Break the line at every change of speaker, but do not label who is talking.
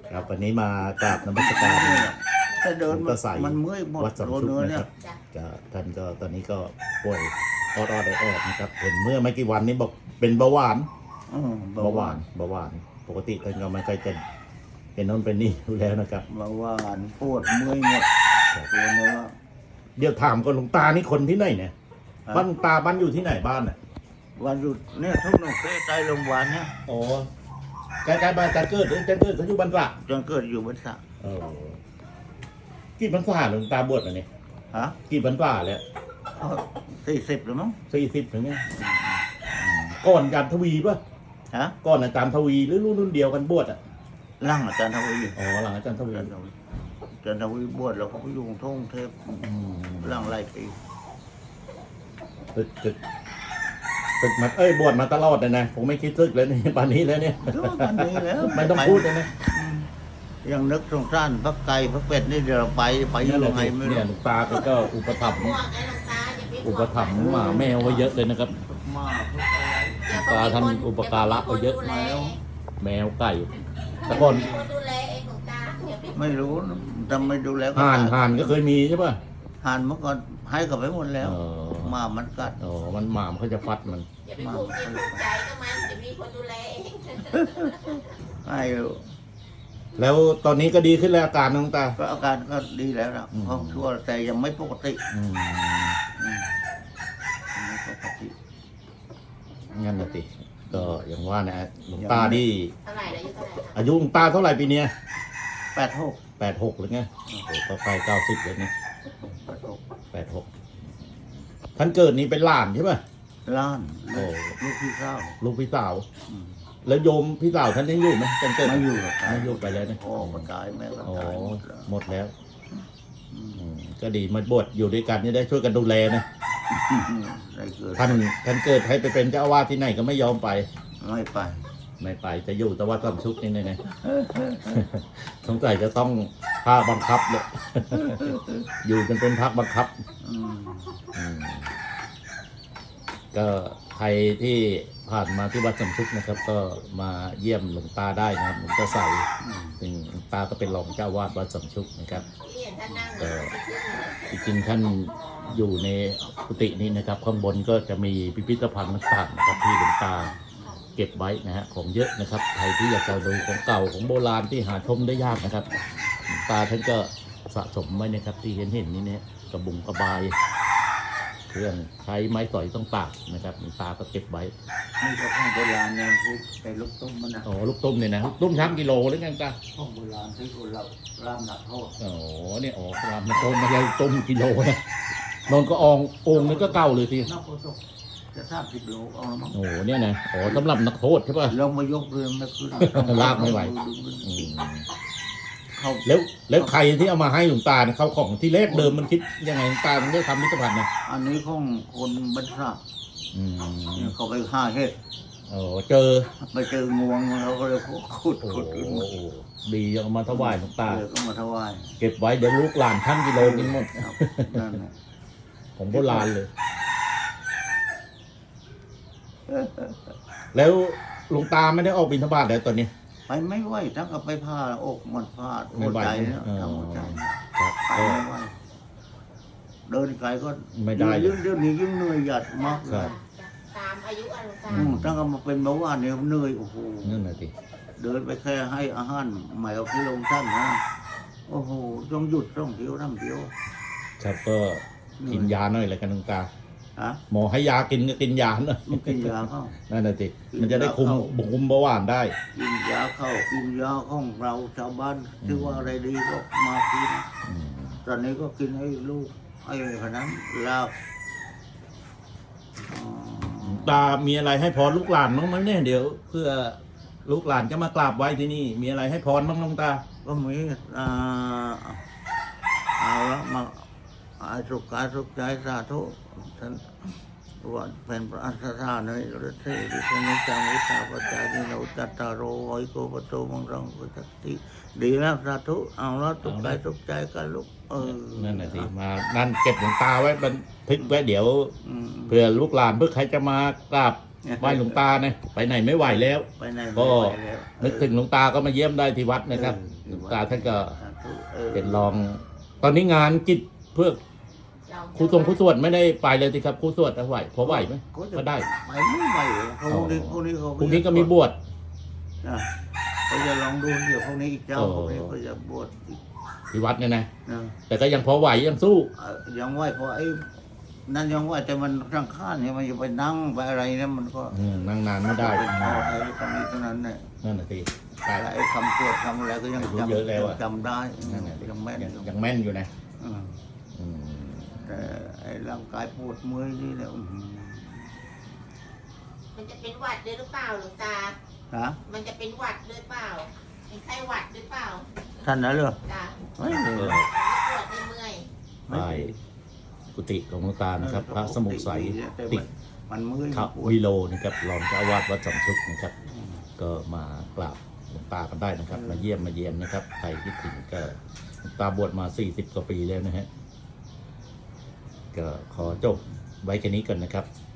ครับวันนี้มากราบนมัสการ
ถ้าเดิน
ก็ใส่
มันเมื่อยหมด
วัดสำ
โดน
ชุก
เนื้อ
นะ
เนี่
ค
ย
รับก็ท่านก็ตอนนี้ก็ป่วยออดนะครับเห็นเมื่อไม่กี่วันนี้บอกเป็นเบาหวาน
เบาหวาน
ปกติท่านก็ไม่เคยเป็นโน้นเป็นนี่อยู่แล้วนะครับ
เบาหวานปวดเมื่อยหมดตัวเนื้อ
เดี๋ยวถามก่อนหลวงตานี่คนที่ไหนเนี่ยบ้านหลวงตาบ้านอยู่ที่ไหนบ้านอ่ะ
วันหยุดเนี่ยทุกหนุ่มเคยใจโรงพยาบาลเนี่ย
อ๋อใกล้ๆบ้านจันเกิดเขาอยู่บ้านตระ
จนเกิดอยู่บนสระ
กี่พรรษาหลวงตาบวชมาเนี่ย
ฮะ
กี่พรรษาแล้ว
40หรือมั้ง
40ถึงไงก่อนอาจารย์ทวีป่ะ
ฮะ
ก่อนอาจารย์ทวีหรือรุ่นเดียวกันบวชอ่ะ
ร่างอาจารย์ทวี
อ๋อหลังอาจารย์ทวี
อาจารย์ทวีบวชแล้วเขาไปอยู่กรุงเทพร่างไรปี
ศึกมาบวชมาตลอดเลยนะผมไม่คิดศึกเลยนี่ป่านนี้แล้วเนี่ย
วันนี้แล้ว
ไม่ต้องพูดเลยนะ
ยังนึกสงสารพระไก่พระเป็ดนี่เดี๋ยวเราไปยังไงไม่
เนี่
รู้
ยหลวงตาก็อุปถัมภ์หมาแมวไว้เยอะเลยนะครับ
มาก
หลวงตาท่านอุปการะไว้เยอะ แมวไก่แต่ก่อน
ไม่รู้ทำไม่ดูแล้ว
ห่านก็เคยมีใช่ป่ะ
ห่านเมื่อก่อนให้กลับไปหมดแล้ว
เออ
หมามันกัด
อ๋อมันหมามันเขาจะฟัดมัน
อย่าไปผูกจิตผูกใจกับมันจะมีคนดูแลเอง
ให้อยู่
แล้วตอนนี้ก็ดีขึ้นแล้วอาการน้องตา
ก็อาการก็ดีแล้วนะ
อืม
ห้องชั่วแต่ยังไม่ปกติ
อืม
อืมไม่ปกติ
งั้นนะติก็อย่างว่านะหลวงตานี่
เท่าไหร่แล้วอายุเท่าไหร่คะ
อายุหลวงตาเท่าไหร่ปีเนี้ย
86
86หรือไงโอ้โหก็ใกล้90แล้วนี่
86
86ท่านเกิดนี้เป็นหลานใช่ป่ะ
ล้าน
โอ้
ลูกพี่เศร้า
ลูกพี่สาว
อืม
แล้วโยมพี่สาวท่านยังอยู่ไหมท่านเกิด
ไม่อยู่หรอก
ไม่อยู่ไปแล้วนะ
พ่อก็ตายแม่ก็
อ๋อ
ตายหมดแล้ว
หมดแล้ว
อืม
ก็ดีมาบวชอยู่ด้วยกันนี่ได้ช่วยกันดูแลนะ
ได้เกิด
ท่านเกิดให้ไปเป็นเจ้าอาวาสที่ไหนก็ไม่ยอมไป
ไม่ไป
ไม่ไปจะอยู่แต่ว่าต้องชุกนี่ไง สงสัยจะต้องภาคบังคับเลย อยู่จนเป็นพักบังคับ
อืม
อืมก็ใครที่ผ่านมาที่วัดสำชุกนะครับ ก็มาเยี่ยมหลวงตาได้นะครับหลวงตาใส
อืม
ซึ่งหลวงตาก็เป็นรองเจ้าวาดวัดสำชุกนะครับ
ที่เห็นท่านนั่ง
จริงๆท่านอยู่ในกุฏินี้นะครับ ข้างบนก็จะมีพิพิธภัณฑ์ต่างๆนะครับที่หลวงตาเก็บไว้นะฮะของเยอะนะครับใครที่อยากจะดูของเก่าของโบราณที่หาชมได้ยากนะครับหลวงตาท่านก็สะสมไว้นะครับ ที่เห็นนี่เนี่ยกระบุงกระบายเครื่องใช้ไม้สอยต่างๆนะครับหลวงตาก็เก็บไว้
นี่ก็ของโบราณเนี่ยที่ไปลูกตุ้มมันนะ
อ๋อลูกตุ้มเนี่ยนะลูกตุ้มช้ำกิโลหรือไงตา
ของโบราณที่คนเราร่ามหนักโทษ
อ๋อเนี่ยอ๋อครับมันต้มไม่ใช่ต้มกิโลนะนนก็องค์นึงก็เก่าเลยที
นักโทษจะ30 โลเอาละมั้ง
โอ้โหเนี่ยนะอ๋อสำหรับนักโทษใช่ป่ะ
ลองมายกเรือไม่ขึ้น
ลากไม่ไหว อืม
เขา
แล้วใครที่เอามาให้หลวงตาเนี่ยเขาของที่แรกเดิมมันคิดยังไงหลวงตาถึงได้ทำพิพิธภัณฑ์นะ
อันนี้ของคนบรรทัด
อืม
เขาไปฆ่าเห็ด
โอ้เจอ
ไปเจองวงเขาก็เลยขุด
โอ้
ขุดขึ้นมา
โหดีเอามาถวายหลวงตา
เลยก็มาถวาย
เก็บไว้เดี๋ยวลูกหลานท่านกิโลกินหมด
ครับนั่นแหละ
ของโบราณเลย แล้วหลวงตาไม่ได้ออกบิณฑบาตแล้วตอนนี้
ไปไม่ไหวทั้งกับไปผ่าอกมันผ่า
ไม่
หัว
ไหว
ใจเนี่ย
เออ
ทำหัวใจ
ครับ
ไป
ก็
ไม่ไหวเดินไกลก็
ไม่ได้
ยิ่งเดี๋ยวนี้ยิ่งเหนื่อยหยัดมากเล
ครั
ย
บ
ตามอายุอนุตา
ตั้งแต่มาเป็นเบาหวานเนี่ยเหนื่อยโอ้โห
นั่นแหละสิ
เดินไปแค่ให้อาหารใหม่เอาที่ลงท่านนะโอ้โหต้องหยุดต้องเที่ยวน้ำเที่ยว
ครับก็กินยาหน่อยแล้วกันหลวงตา
ฮะ
หมอให้ยากินก็กินยาหน่อย
มันกินยาเข้า
นั่นแหละสิ
กิน
มันจะได้คุม
ยาเข้า
คุมเบาหวานได้
กินยาเข้ากินยาของเราชาวบ้านที่ว่าอะไรดีก็มากิน
อืม
ตอนนี้ก็กินให้ลูกไอ้ขนาดนั้นลาบอ๋อ
ตามีอะไรให้พรลูกหลานบ้างไหมเนี่ยเดี๋ยว เพื่อลูกหลานจะมากราบไหว้ที่นี่ มีอะไรให้พรบ้างหลวงตา
ก็มีเอาละมาอาสุขกายสุขใจสาธุท่านวันเป็นพระอัสสาในฤทธิ์ดิฉันจังวิชาปัจจัยนิโนจัตตารโรไวโกปโตมังรังกุจติดีแล้วสาธุเอาละสุขกายสุขใจกันลูก
นั่นแหละสิมานั่นเก็บหลวงตาไว้บันทึกไว้เดี๋ยว
อืม
เพื่อลูกหลานเพื่อใครจะมากราบไหว้หลวงตานะไปไหนไม่ไหวแล้ว
ไปไหน
ก็
ไม่ไหวแล้ว
นึกถึงหลวงตาก็มาเยี่ยมได้ที่วัดนะครับหลวงตาท่านก็เป็นรอง ตอนนี้งานกิจเพื่อครูทรงครูสวดไม่ได้ไปเลยสิครับครูสวดไหวพอไหวไหมก็ได้
ไปไม่ไหวเพราะพรุ่งนี้เขา
พรุ่งนี้ก็มีบวช
นะเขาจะลองดูเดี๋ยวพรุ่งนี้อีกเจ้า
โอ้
พรุ่งนี้เขาจะบวชอีก
ที่วัดเนี่ยนะ
นะ
แต่ก็ยังพอไหวยังสู้
ยังไหวเพราะไอ้นั่นยังไหวแต่มันร่างข้านเนี่ยมันจะไปนั่งไปอะไรเนี่ยมันก็
นั่งนานไม่ได้
เป็นข้อไอ้ตรงนี้เท่านั้นเนี่ย
นั่นน่ะสิใช่
แต่ไอ้คำตรวจคำอะไรก็ยัง
อายุเยอะแล้วอะ
จำได้
นั่นน่ะสิ
ยังแม่น
ยังแม่นอยู่นะ
อืม
อืม
แต่ไอ้ร่างกายปวดเมื่อยนี่เนี่ยอื้อหือ
มันจะเป็นหวัดด้วยหรือเปล่าหลวงตา
ฮะ
มันจะเป็นหวัดด้วยเปล่าเป็นไข้หวัดด้วยเปล่า
ท่านนะเหรอ
จ้ะ
ไม่เลย
ไม่ปวดไม่เมื่อย
ไปกุฏิของหลวงตานะครับ พระสมุทรใสติ
มันเมื่อย
ข
ปวด
วิโลนะครับรองเจ้าอาวาสวัดสำชุกนะครับ ก็มากราบหลวงตากันได้นะครับ มาเยี่ยมมาเยียนนะครับใครที่ถึงก็หลวงตาบวชมา40 กว่าปีแล้วนะฮะก็ขอจบไว้แค่นี้ก่อนนะครับ